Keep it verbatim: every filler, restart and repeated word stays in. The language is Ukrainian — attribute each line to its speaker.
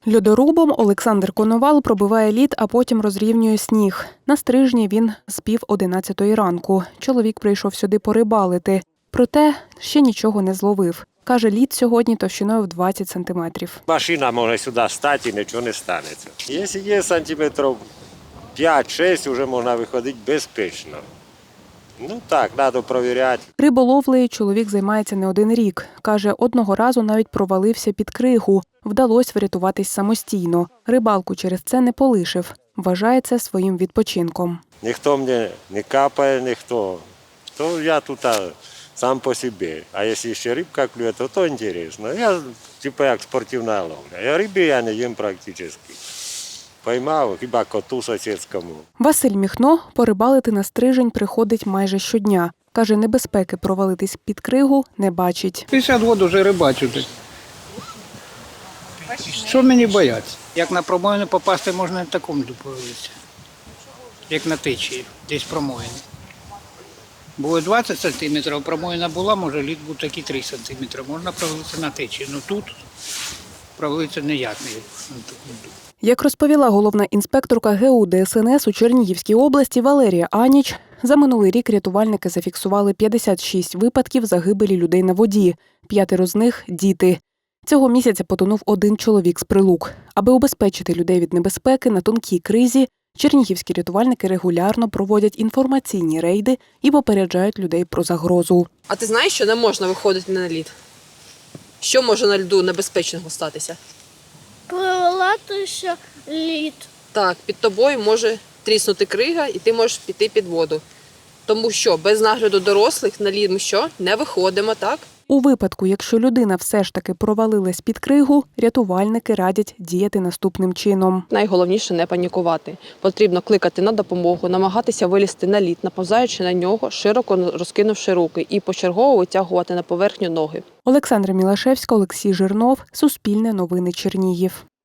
Speaker 1: Льодорубом Олександр Коновал пробиває лід, а потім розрівнює сніг. На Стрижні він з пів одинадцятої ранку. Чоловік прийшов сюди порибалити. Проте ще нічого не зловив. Каже, лід сьогодні товщиною в двадцять сантиметрів.
Speaker 2: Машина може сюди стати і нічого не станеться. Якщо є сантиметрів п'ять-шість, вже можна виходити безпечно. Ну так, треба перевіряти.
Speaker 1: Риболовлею чоловік займається не один рік. Каже, одного разу навіть провалився під кригу. Вдалося врятуватись самостійно. Рибалку через це не полишив. Вважає це своїм відпочинком.
Speaker 2: Ніхто мені не капає, ніхто. То я тут сам по собі. А якщо ще рибка клює, то то цікаво. Я типу як спортивна ловля. Я риби я не їм практично. Поймав, хіба коту сусідському.
Speaker 1: Василь Міхно порибалити на Стрижень приходить майже щодня. Каже, небезпеки провалитись під кригу не бачить.
Speaker 3: п'ятдесят років вже рибачу. Що мені бояться? Як на промоїну попасти, можна і в такому провалитися. Як на течії, десь промоїни. Було двадцять сантиметрів, промоїна була, може лід був такий три сантиметри. Можна провалитися на течії. Ну тут провалитися ніяк не на такому.
Speaker 1: Як розповіла головна інспекторка ге у де ес ен ес у Чернігівській області Валерія Аніч, за минулий рік рятувальники зафіксували п'ятдесят шість випадків загибелі людей на воді. П'ятеро з них – діти. Цього місяця потонув один чоловік з Прилук. Аби убезпечити людей від небезпеки на тонкій кризі, чернігівські рятувальники регулярно проводять інформаційні рейди і попереджають людей про загрозу.
Speaker 4: А ти знаєш, що не можна виходити на лід? Що може на льоду небезпечного статися?
Speaker 5: Провалитися лід.
Speaker 4: Так, під тобою може тріснути крига і ти можеш піти під воду. Тому що без нагляду дорослих на лід ми що? Не виходимо, так?
Speaker 1: У випадку, якщо людина все ж таки провалилась під кригу, рятувальники радять діяти наступним чином.
Speaker 4: Найголовніше не панікувати. Потрібно кликати на допомогу, намагатися вилізти на лід, наповзаючи на нього, широко розкинувши руки і почергово витягувати на поверхню ноги.
Speaker 1: Олександра Мілашевська, Олексій Жирнов, Суспільне новини Чернігів.